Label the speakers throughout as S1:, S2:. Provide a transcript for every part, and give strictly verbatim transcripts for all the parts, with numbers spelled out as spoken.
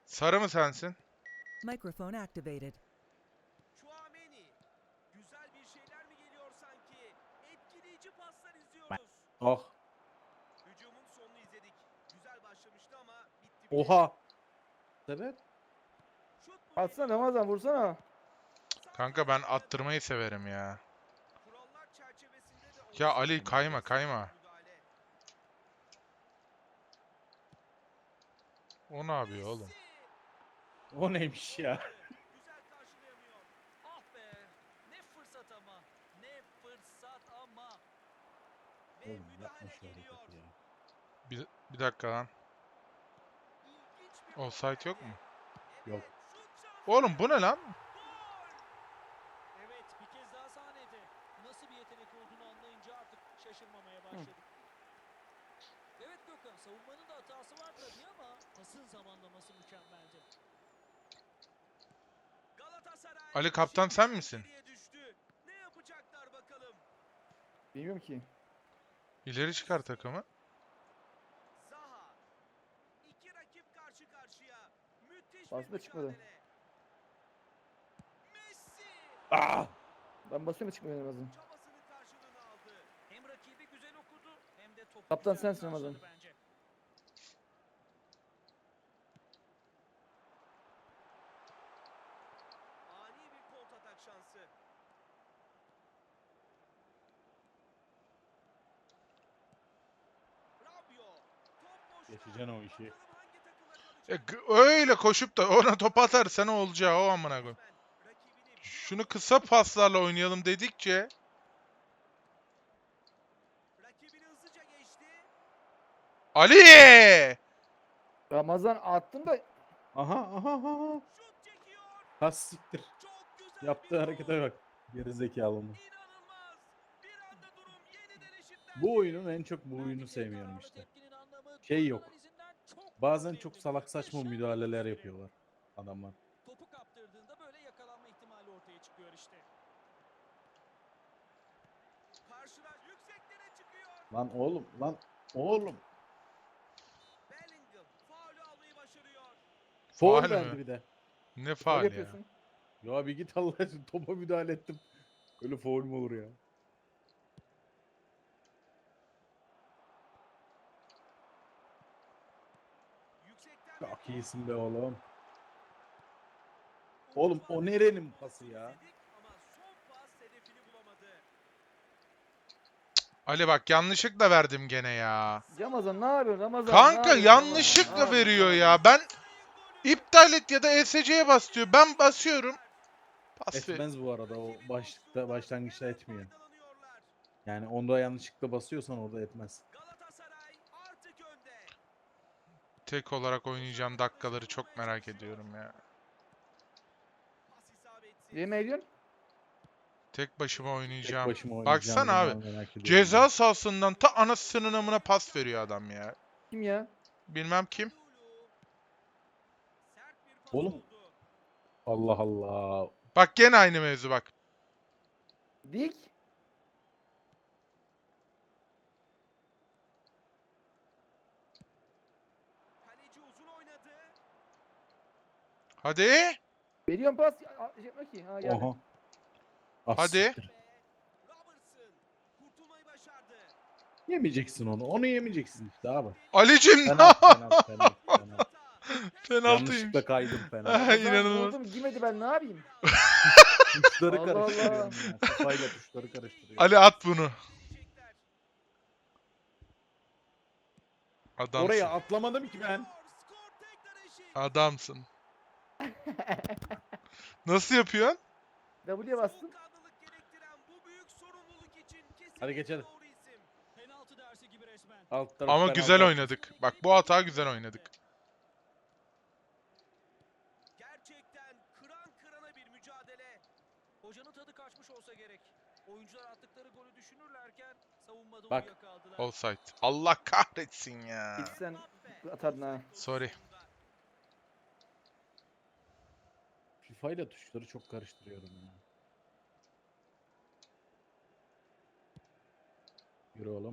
S1: Sarı mı sensin?
S2: Microphone activated.
S3: Chouameni. Güzel bir şeyler mi geliyor sanki? Etkileyici paslar izliyoruz.
S4: Oh.
S3: Hücumun sonunu izledik. Güzel başlamıştı ama bitti bile.
S4: Oha. Sebep?
S3: Şut mu
S5: Atsana
S3: geliyor?
S5: Ramazan vursana.
S1: Kanka ben attırmayı severim ya.
S3: Kurallar çerçevesinde de
S1: Ya
S3: olsa
S1: Ali kayma kayma.
S3: müdahale.
S1: O ne yapıyor oğlum?
S3: Messi.
S4: O neymiş ya?
S3: Güzel karşılayamıyor. Ah be. Ne fırsat ama. Ne fırsat ama. Ve
S4: Oğlum yapma
S3: müdahale
S4: şu
S3: geliyor.
S4: hareketi ya.
S1: Bir, bir dakika lan.
S3: İlginç bir
S1: Offside
S3: gol
S1: yok mu?
S3: geldi.
S4: Yok.
S3: Evet, şut şansı.
S1: Oğlum bu ne lan?
S3: Gol. Evet, bir kez daha sahnede. Nasıl bir yetenek olduğunu anlayınca artık şaşırmamaya başladık. Evet Gökhan, savunmanın da hatası var tabii ama pasın zamanlaması mükemmeldi. Galatasaray
S1: Ali kaptan
S3: şimdi
S1: sen misin?
S3: geriye düştü. Ne yapacaklar bakalım?
S5: Bilmiyorum ki.
S1: İleri çıkar takımı.
S3: Zaha. İki rakip karşı karşıya. Müthiş
S5: Aslında
S3: bir
S5: çıkmadı.
S3: mücadele. Messi.
S4: Ah!
S5: Ben basıyorum çıkmıyor Ramazan.
S3: Çabasının karşılığını aldı. Hem rakibi güzel okudu hem de topu
S5: Kaptan
S3: güzel
S5: sensin Ramazan.
S3: karşıladı bence. Ani bir kontratak şansı. Rabiot. Top boşta.
S4: Geçeceksin o işi.
S3: Bakalım hangi takımda
S1: E,
S3: kalacak?
S1: g- öyle koşup da ona top atarsa ne olacağı o amına koyayım.
S3: Rakibini bir
S1: Şunu
S3: anda
S1: kısa paslarla oynayalım dedikçe
S3: rakibini hızlıca geçti.
S1: Ali!
S5: Ramazan attın da
S4: Aha aha aha.
S3: Şut çekiyor.
S4: Ha siktir.
S3: Çok güzel
S4: Yaptığı
S3: bir
S4: harekete bak. Geri zekalı mı?
S3: İnanılmaz. Bir anda durum yeniden eşitlendi.
S4: Bu oyunun en çok bu oyunu sevmiyorum işte. Şey yok. Bazen çok salak saçma müdahaleler yapıyorlar adamlar.
S3: Topu kaptırdığında böyle yakalanma ihtimali ortaya çıkıyor işte. Karşılar yükseklere çıkıyor.
S4: Lan oğlum lan oğlum.
S3: Bellingham faulü almayı başarıyor.
S4: Foul
S1: Faul
S4: verdi
S1: mü?
S4: bir de.
S1: Ne
S5: böyle
S1: faal ya?
S5: yapıyorsun.
S4: Ya bir git Allah aşkına, topa müdahale ettim. Öyle foul mu olur ya?
S3: Yüksekten bir
S4: Çok
S3: pas.
S4: iyisin be oğlum. Oğlum o nerenin pası ya?
S3: İzledik ama son pas hedefini bulamadı.
S1: Ali bak yanlışlıkla verdim gene ya.
S5: Ramazan ne yapıyorsun Ramazan?
S1: Kanka
S5: ne yapıyorsun
S1: yanlışlıkla
S5: Ramazan? Ne
S1: veriyor
S5: yapıyorsun?
S1: ya. Ben iptal et ya da E S C'ye bas diyor. Ben basıyorum. Pas ver.
S4: Etmez bu arada, o başlıkta başlangıçta etmiyor. Yani onda yanlışlıkla basıyorsan orada etmez.
S3: Galatasaray artık önde.
S1: Tek olarak oynayacağım dakikaları çok merak ediyorum ya.
S3: Pas isabetsiz.
S5: Yemin ediyorsun.
S1: Tek başıma
S4: Tek
S1: oynayacağım.
S4: başıma oynayacağım
S1: Baksana abi.
S4: zaman merak ediyorum.
S1: Ceza sahasından ta anasının amına pas veriyor adam ya.
S5: Kim ya?
S1: Bilmem kim.
S3: Lulu. Sert bir pas
S4: Oğlum.
S3: oldu.
S4: Allah Allah.
S1: Bak gene aynı mevzu bak.
S5: Dik.
S3: Kaleci uzun oynadı.
S1: Hadi.
S5: Veriyorum pas. Aa, şey yapma ki. Ha geldi.
S4: Oha. Ah,
S1: Hadi.
S4: siktir.
S3: Ve Robertson kurtulmayı başardı.
S4: Yemeyeceksin onu. Onu yemeyeceksin işte abi.
S1: Alicim
S4: Penaltı penaltı penaltı penaltı.
S1: penaltıymış.
S4: Yanlışlıkla kaydım penaltı.
S1: Ay,
S5: Ramazan
S1: inanılmaz.
S5: vurdum girmedi ben ne yapayım?
S4: Tuşları
S5: Allah Allah.
S4: karıştırıyorum ya. Kafayla tuşları karıştırıyorum.
S1: Ali at bunu.
S3: Diyecekler.
S1: Adamsın.
S4: Oraya atlamadım ki ben.
S3: Skor tekrar eşit.
S1: Adamsın. Nasıl yapıyorsun?
S5: W'ye bastım.
S3: Soğukkanlılık gerektiren bu büyük sorumluluk için kesinlikle
S4: Hadi geçelim.
S3: doğru isim. Penaltı dersi gibi resmen.
S4: Alt taraf
S1: Ama
S4: penaltı.
S1: güzel oynadık. Bak bu hata güzel oynadık.
S3: Gerçekten kıran kırana bir mücadele. Hocanın tadı kaçmış olsa gerek. Oyuncular attıkları golü düşünürlerken savunmada
S4: Bak.
S3: uyuyakaldılar.
S1: Offside. Allah kahretsin ya.
S5: Git sen atardın ha.
S1: Sorry.
S4: FIFA ile tuşları çok karıştırıyorum ya. Yürü oğlum.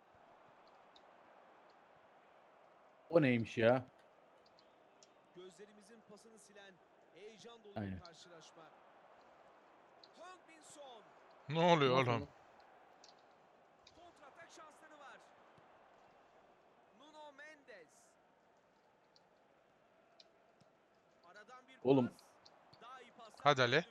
S4: O neymiş ya?
S3: Gözleri
S6: kafasını silen heyecan dolu
S4: Aynen.
S6: bir karşılaşma. Heung-min Son
S1: Ne oluyor
S5: Nasıl
S1: oğlum?
S5: oldu?
S6: kontratak şansları var. Nuno Mendes. Aradan bir
S4: Oğlum.
S6: pas. Daha iyi paslar
S1: Hadi Ali.
S6: gördük.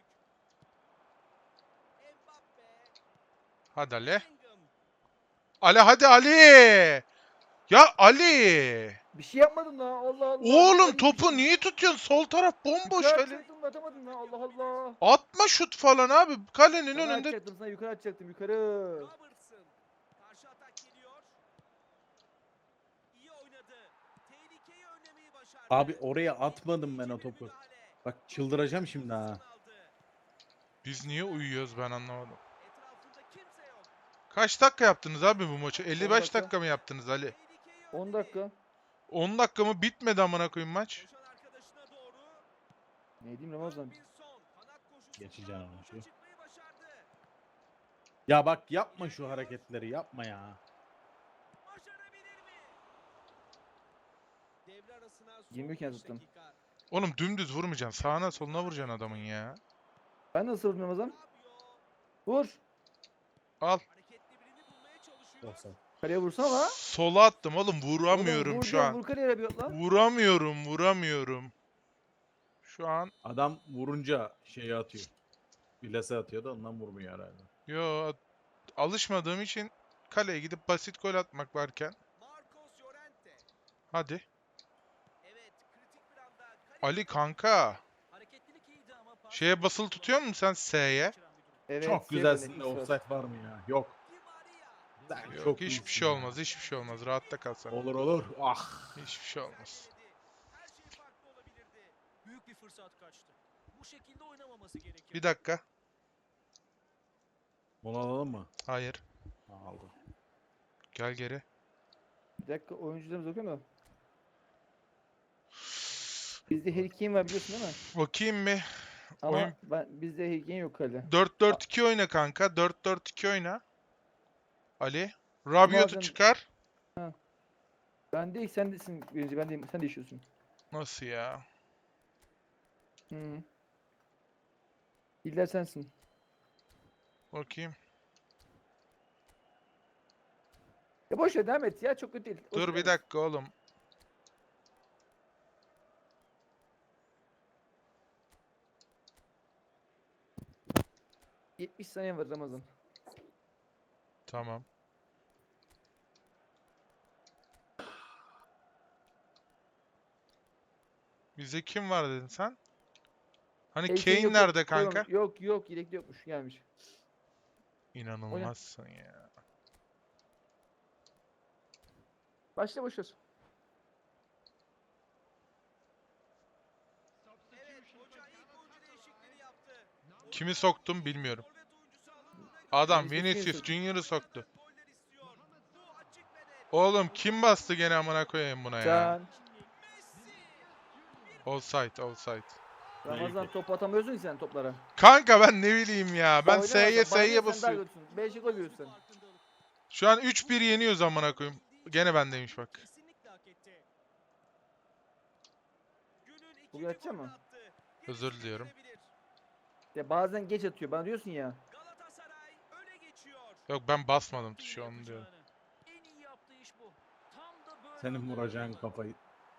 S6: Mbappe.
S1: Hadi Ali.
S6: Bellingham.
S1: Ali hadi Ali. Ya Ali.
S5: Bir şey yapmadın lan. Allah Allah.
S1: Oğlum
S5: Yukarı
S1: topu
S5: gitmişsin.
S1: niye tutuyorsun? Sol taraf bomboş
S5: Yukarı
S1: Ali.
S5: atacaktım da atamadın lan. Allah Allah.
S1: Atma şut falan abi. Kalenin
S5: Sana
S1: önünde.
S5: atacaktım sana yukarı atacaktım yukarı.
S6: Robertson. Karşı atak geliyor. İyi oynadı. Tehlikeyi önlemeyi başardı.
S4: Abi oraya atmadım ben o
S6: Etkileyici bir
S4: topu.
S6: müdahale.
S4: Bak çıldıracağım şimdi ha.
S6: Pozisyon aldı.
S1: Biz niye uyuyoruz ben anlamadım.
S6: Etrafında kimse yok.
S1: Kaç dakika yaptınız abi bu maçı? elli beş
S5: dakika.
S1: dakika mı yaptınız Ali?
S6: Tehlikeyi
S5: on
S6: önledi.
S5: dakika.
S1: on dakika mı bitmedi amına koyayım maç?
S6: Koşan arkadaşına doğru.
S5: Ne diyeyim Ramazan?
S6: Heung-min Son kanat koşusunda
S4: Geçeceğim onu
S6: boşa
S4: şu.
S6: çıkmayı başardı.
S4: Ya bak yapma şu hareketleri yapma ya.
S6: Başarabilir mi? Devre arasına son
S5: yirmi iken
S6: beş
S5: tuttum.
S6: dakika.
S1: Oğlum dümdüz vurmayacaksın. Sağına soluna vuracaksın adamın ya.
S5: Ben nasıl vurdum Ramazan?
S6: Fabio
S5: Vur.
S1: Al.
S6: hareketli birini bulmaya çalışıyor.
S4: Olsa.
S5: Kaleye vursana la.
S1: Sola attım oğlum. Vuramıyorum
S5: Oğlum, vur
S1: şu
S5: diyorum,
S1: an.
S5: Vur kaleye bir lan.
S1: Vuramıyorum, vuramıyorum. Şu an
S4: Adam vurunca şeyi atıyor. Bilese atıyor da ondan vurmuyor herhalde.
S1: yo alışmadığım için kaleye gidip basit gol atmak varken
S6: Marcos Llorente.
S1: hadi.
S6: Evet, kritik bir anda kaleye
S1: Ali kanka.
S3: Hareketlilik iyiydi ama pas
S1: Şeye basılı tutuyor musun sen S'ye?
S3: kaçıran bir durum.
S5: Evet.
S4: Çok
S5: şey
S4: güzelsin
S5: böyle,
S4: de
S5: X var.
S4: offside var mı ya? Yok.
S6: Di Maria.
S4: Sen
S1: Yok
S4: çok
S1: hiçbir
S4: iyisin
S1: şey
S4: ya.
S1: olmaz, hiçbir şey olmaz. Rahatta kal sen.
S4: Olur olur. Ah.
S1: Hiçbir şey olmaz.
S6: Her şey farklı olabilirdi.
S3: Büyük bir fırsat kaçtı. Bu şekilde oynamaması gerekiyor.
S1: Bir dakika.
S4: Mola alalım mı?
S1: Hayır.
S4: Ha, aldım.
S1: Gel geri.
S5: Bir dakika oyuncularımız okuyor mu? Bizde Harry Kane var biliyorsun değil mi?
S1: Bakayım bir.
S5: Ama
S1: Oyun-
S5: ben, bizde Harry Kane yok kalede.
S1: dört dört iki oyna kanka. dört dört iki oyna. Ali. Rabiot'u
S5: alacaksın?
S1: çıkar.
S5: Ben değil sen desin birinci ben değilim sen değişiyorsun.
S1: Nasıl ya?
S5: Hı. İller sensin.
S1: Bakayım.
S5: Ya boş ver devam et ya çok kötü değil. Boş ver,
S1: Dur
S5: devam
S1: bir
S5: et.
S1: dakika oğlum.
S5: yetmiş saniye var Ramazan.
S1: Tamam. Bize kim var dedin sen? Hani
S5: Harry Kane
S1: Kane
S5: yok,
S1: nerede
S5: yok,
S1: kanka?
S5: Yok yok yedekli yokmuş gelmiş.
S1: İnanılmazsın ya.
S5: Başla boş ver.
S6: Evet, hoca ilk oyuncu değişikliğini yaptı.
S1: Kimi soktum bilmiyorum.
S6: Forvet oyuncusu alındığına göre
S1: Adam
S5: Vinicius
S1: Vinicius
S5: Junior.
S1: Junior'ı soktu.
S6: goller istiyor. Bu açık ve net.
S1: Oğlum kim bastı gene amına koyayım buna ya?
S5: Sen
S6: Messi.
S1: Offside, offside.
S5: Ramazan
S4: Neydi?
S5: top atamıyorsun ki sen toplara.
S1: Kanka ben ne bileyim ya. Ben
S5: Oynamazsan
S1: S'ye
S5: bana
S1: S'ye
S5: ne, sen daha
S1: basıyorum.
S5: kötüsün. beşe gol yiyorsun.
S1: Şu an üç bir yeniyoruz amına koyayım. Gene bendeymiş bak.
S6: Kesinlikle hak etti. Günün ikinci
S5: Bugün atacak
S6: golünü
S5: mı?
S6: attı.
S1: Özür
S6: Gerisi
S1: diliyorum.
S6: gelebilir.
S5: Ya bazen geç atıyor bana diyorsun ya.
S6: Galatasaray öne geçiyor.
S1: Yok ben basmadım tuşu onu diyorum.
S3: En iyi yaptığı iş bu. Tam da böyle
S4: Senin
S3: anları
S4: vuracağın
S3: kullandı.
S4: kafayı.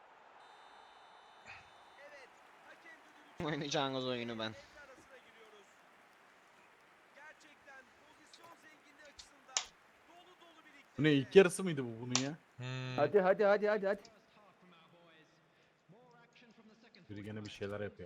S6: Evet. Hakem düdüğü
S7: Oynayacağınız oyunu ben.
S6: devre arasına giriyoruz. Gerçekten pozisyon zenginliği açısından dolu dolu bir
S4: Bu ne ilk yarısı mıydı bu bunun ya?
S1: Hmm.
S5: Hadi hadi hadi hadi hadi.
S4: Biri gene bir şeyler yapıyor.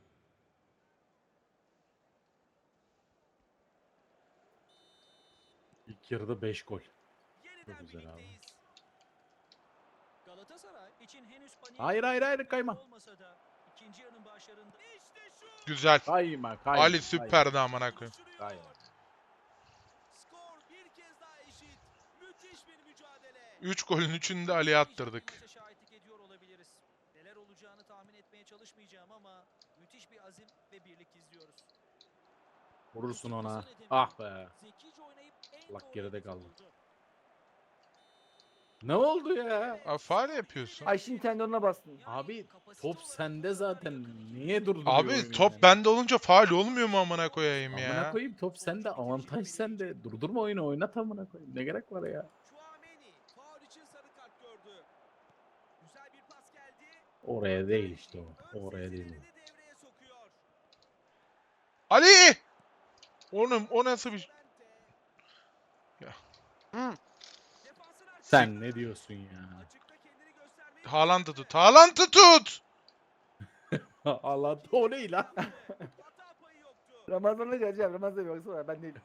S4: İlk yarıda beş gol.
S6: Yeniden
S4: Çok güzel abi.
S6: birlikteyiz.
S3: Galatasaray için henüz panik
S4: Hayır hayır hayır kayma.
S3: olmasa da ikinci yarının başlarında
S6: İşte şu.
S1: Güzel.
S4: Kayma kayma.
S1: Ali süperdi amına koyayım.
S4: Kayma.
S6: Skor bir kez daha eşit. Müthiş bir mücadele.
S1: üç golün üçünü de Ali'ye attırdık.
S3: maça şahitlik ediyor olabiliriz. Neler olacağını tahmin etmeye çalışmayacağım ama müthiş bir azim ve birlik izliyoruz.
S4: Vurursun ona. Ah be.
S3: Zekice oynayıp en
S4: Allah
S3: doğru
S4: geride
S3: hedefi
S4: kaldı.
S3: buldu.
S4: Ne oldu ya?
S1: Abi faul yapıyorsun.
S5: Ayşin tendonuna bastın.
S4: Abi top sende zaten. Niye durduruyor
S1: Abi
S4: oyunu
S1: top
S4: yani?
S1: bende olunca faul olmuyor mu amına koyayım
S4: Amına
S1: ya?
S4: koyayım top sende. Avantaj sende. Durdurma oyunu oynat amına koyayım. Ne gerek var ya?
S6: Chouameni faul için sarı kart gördü. Güzel bir pas geldi.
S4: Oraya değil işte o.
S6: Ön
S4: Oraya değil o.
S6: sezilerini devreye sokuyor.
S1: Ali! Oğlum o nasıl bir... Ya.
S6: Defansın arkasında
S4: Sen ne diyorsun ya?
S6: açıkta kendini göstermeyi
S1: Haaland'ı tut. Haaland'ı tut!
S4: Allah o ne lan?
S6: hata payı yoktu.
S5: Ramazan'la geleceğim. Ramazan'a bir baksana ben değil.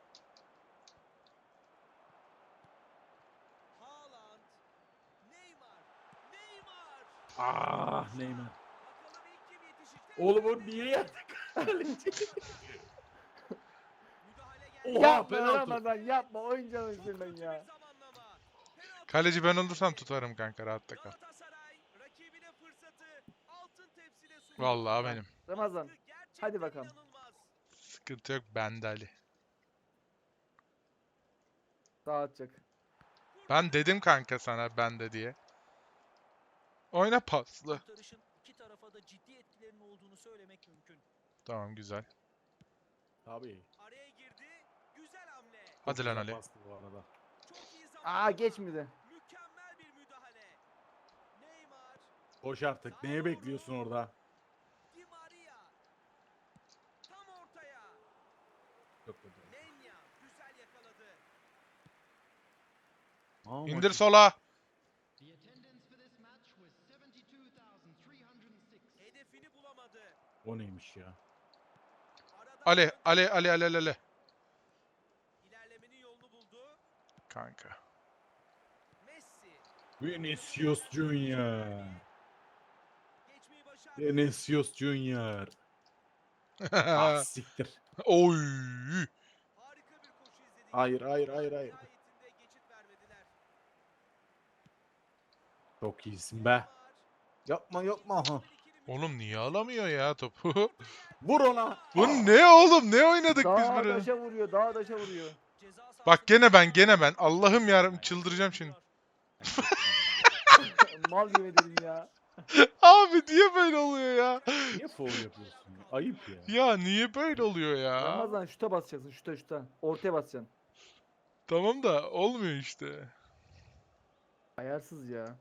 S6: Haaland, Neymar, Neymar.
S4: Ah Neymar.
S6: Bakalım ilk kim yetişecek?
S4: Oğlum o niye yattı?
S6: Müdahale geldi.
S4: Oha,
S5: Yapma
S4: penaltı.
S5: Ramazan yapma. Oyuncağın
S6: Çok
S5: üzerinden
S6: kötü
S5: ya.
S6: bir zamanlama. Penaltı
S1: Kaleci ben olursam tutarım kanka, rahatta kal.
S6: Galatasaray rakibine fırsatı altın tepside sunuyor.
S1: Vallahi benim.
S5: Ramazan.
S6: Gerçekten
S5: hadi bakalım.
S6: inanılmaz.
S1: Sıkıntı yok bende Ali.
S5: Sağ atacak.
S1: Ben dedim kanka sana bende diye. Oyna paslı.
S3: Kurtarışın iki tarafa da ciddi etkilerinin olduğunu söylemek mümkün.
S1: Tamam güzel.
S4: Tabii.
S6: Araya girdi. Güzel hamle.
S1: Hadi lan Ali.
S4: Bastı bu arada.
S6: Çok iyi
S5: Aa
S6: zamanlama.
S5: geçmedi.
S6: Mükemmel bir müdahale. Neymar,
S4: Koş artık. Neye bekliyorsun orada?
S6: Di Maria. Tam ortaya.
S4: Çok kötü.
S6: Lenya güzel yakaladı.
S4: Aa,
S1: İndir
S4: maçı-
S1: sola.
S6: Hedefini bulamadı.
S4: O neymiş ya?
S6: Arada
S1: Ali, Ali, Ali, Ali, Ali, Ali.
S6: ilerlemenin yolunu buldu.
S1: Kanka.
S6: Messi
S4: Vinicius Junior.
S6: geçmeyi başardı.
S4: Vinicius Junior. Ah siktir.
S1: Oy.
S6: Harika bir koşu izledik.
S4: Hayır hayır hayır hayır.
S6: Nihayetinde geçit vermediler.
S4: Çok iyisin be. Yapma yapma. Ha.
S1: Oğlum niye alamıyor ya topu?
S4: Vur ona.
S1: Bu ne oğlum? Ne oynadık biz
S5: Dağ
S1: böyle?
S5: daşa vuruyor. Dağ daşa vuruyor.
S6: Ceza sahasında
S1: Bak gene ben, gene ben. Allah'ım yarabbim çıldıracağım şimdi.
S5: Mal gibi dedim ya.
S1: Abi niye böyle oluyor ya?
S4: Niye foul yapıyorsun ya? Ayıp ya.
S1: Ya niye böyle oluyor ya?
S5: Ramazan şuta basacaksın. Şuta şuta. Ortaya basacaksın.
S1: Tamam da olmuyor işte.
S5: Ayarsız ya.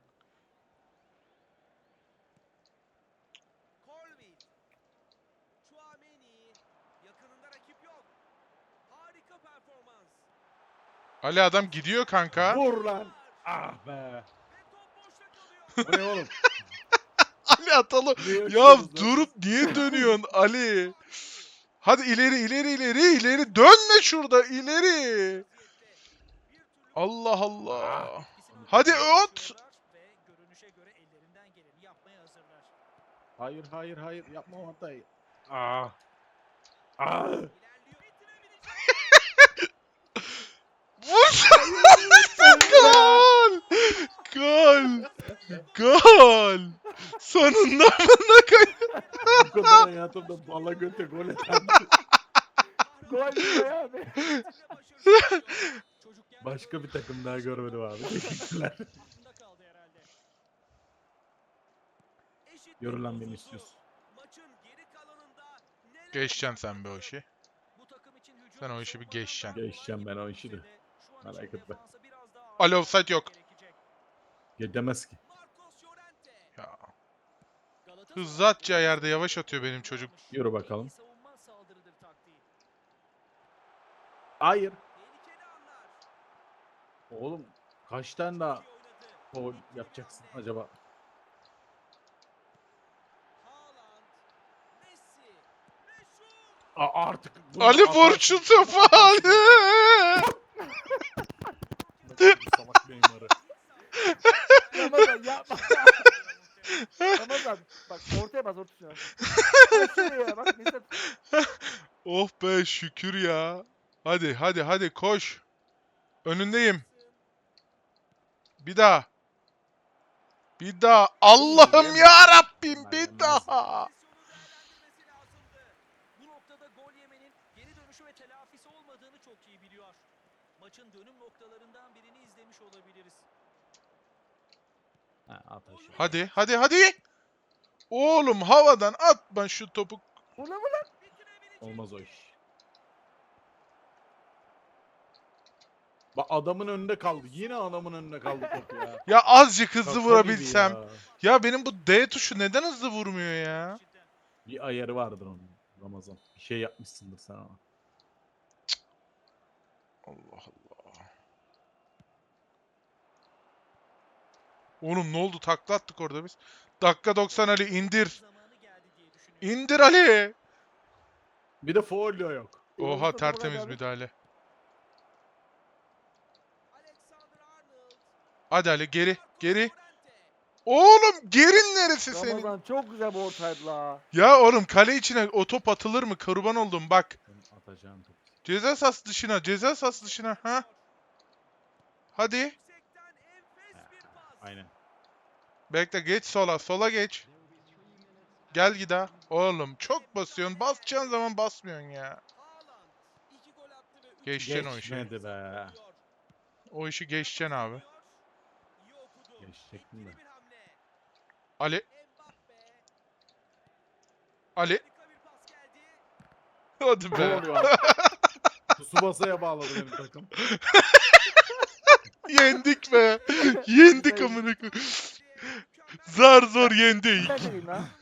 S6: Colville. Chouameni. Yakınında rakip yok. Harika performans.
S1: Ali adam gidiyor kanka.
S4: Vur lan. Ah be.
S6: Ve top boşta kalıyor.
S4: Bu ne oğlum?
S1: Ali atalım.
S4: Ne
S1: Ya
S4: yaşıyoruz lan?
S1: durup niye dönüyorsun Ali? Hadi ileri ileri ileri ileri dönme şurada ileri. Allah Allah. Hadi ot.
S3: Ve görünüşe göre ellerinden geleni yapmaya hazırlar.
S4: Hayır hayır hayır yapma o hatayı. Ah. Ah.
S6: İlerliyor.
S1: Vur. Gol. Gol. Gol. Sonunda amına koy.
S4: Bu kadar hayatımda bala göte gol atan
S5: Gol diyor ya abi.
S3: Çocukken
S4: başka bir takım daha görmedim abi. Teşekkürler.
S3: aklında kaldı herhalde.
S6: Eşitlik
S4: Yürü lan
S6: bozuldu.
S4: Vinicius.
S6: Maçın geri kalanında neler
S1: Geçeceksin sen be o
S6: yaşandı?
S1: işi.
S3: Bu takım için hücum
S1: Sen o işi bir
S3: savunmadan
S1: geçeceksin.
S3: daha
S4: Geçeceğim ben o işi de.
S3: Şu an
S4: Merak
S3: için
S4: etme.
S3: defansa biraz daha
S1: Ali
S3: ağırlık
S1: offside yok.
S3: gerekecek.
S4: Gidemez ki.
S6: Marcos Llorente.
S1: Ya.
S3: Galatasaray
S1: Hızlı atacağı yerde yavaş atıyor benim çocuk.
S4: Yürü bakalım.
S3: En iyi savunma saldırıdır taktiği.
S4: Hayır.
S6: Tehlikeli anlar.
S4: Oğlum kaç tane daha
S6: İyi oynadı.
S4: foul yapacaksın acaba?
S6: Haaland. Messi. Ve şut.
S4: Aa, artık bunu
S1: Ali
S4: atarsın.
S1: vur şu topu Ali.
S4: Salak Neymar'ı.
S5: Ramazan yapma. Ramazan bak ortaya bas ortaya. Bak şuraya bak mesela
S1: Oh be şükür ya. Hadi hadi hadi koş. Önündeyim. Bir daha. Bir daha. Allah'ım ya Rabbim bir daha.
S6: Pozisyonu değerlendirmesi lazımdı.
S3: Bu noktada gol yemenin geri dönüşü ve telafisi olmadığını çok iyi biliyor. Maçın dönüm noktalarından birini izlemiş olabiliriz.
S4: Ha, at aşağı.
S1: Hadi hadi hadi. Oğlum havadan atma şu topu.
S5: Ulan ulan.
S4: Olmaz o iş. Bak adamın önünde kaldı. Yine adamın önünde kaldı top ya.
S1: Ya azıcık hızlı
S4: Şaka
S1: vurabilsem.
S4: gibi
S1: Ya.
S4: ya.
S1: benim bu D tuşu neden hızlı vurmuyor ya?
S4: Bir ayarı vardır onun Ramazan. Bir şey yapmışsındır sen ona.
S1: Allah Allah. Oğlum ne oldu? Takla attık orada biz. Dakika doksan Ali indir.
S3: Zamanı geldi diye düşünüyorum.
S1: İndir Ali.
S4: Bir de folyo yok.
S1: Oha
S5: Mustafa
S1: tertemiz
S5: Murat abi.
S1: müdahale.
S6: Alexander Arnold.
S1: Hadi Ali geri
S6: Marcos
S1: geri.
S6: Llorente.
S1: Oğlum gerin neresi senin?
S5: Ramazan çok güzel bir ortaydı la.
S1: Ya oğlum kale içine o top atılır mı? Kurban oldum bak.
S4: Senin atacağın top.
S1: Ceza sahası dışına, ceza sahası dışına. Ha? Hadi.
S6: Yüksekten enfes bir pas.
S4: Aynen.
S1: Bekle geç sola, sola geç. Gel gida. Oğlum çok basıyorsun. Basacağın zaman basmıyorsun ya.
S6: Haaland iki gol attı ve üç
S1: Geçeceksin o işi.
S4: Geçmedi be.
S1: O işi geçeceksin abi.
S6: İyi okudu.
S4: Geçecektim de.
S6: Etkili bir hamle.
S1: Ali,
S6: Mbappe.
S1: Ali.
S6: Harika bir pas geldi.
S1: Hadi
S4: Ne
S1: be.
S4: oluyor? Tsubasa'ya bağladı benim takım.
S1: Yendik be. Yendik amına koyayım. Zar zor yendik.
S5: Ben de diyeyim lan.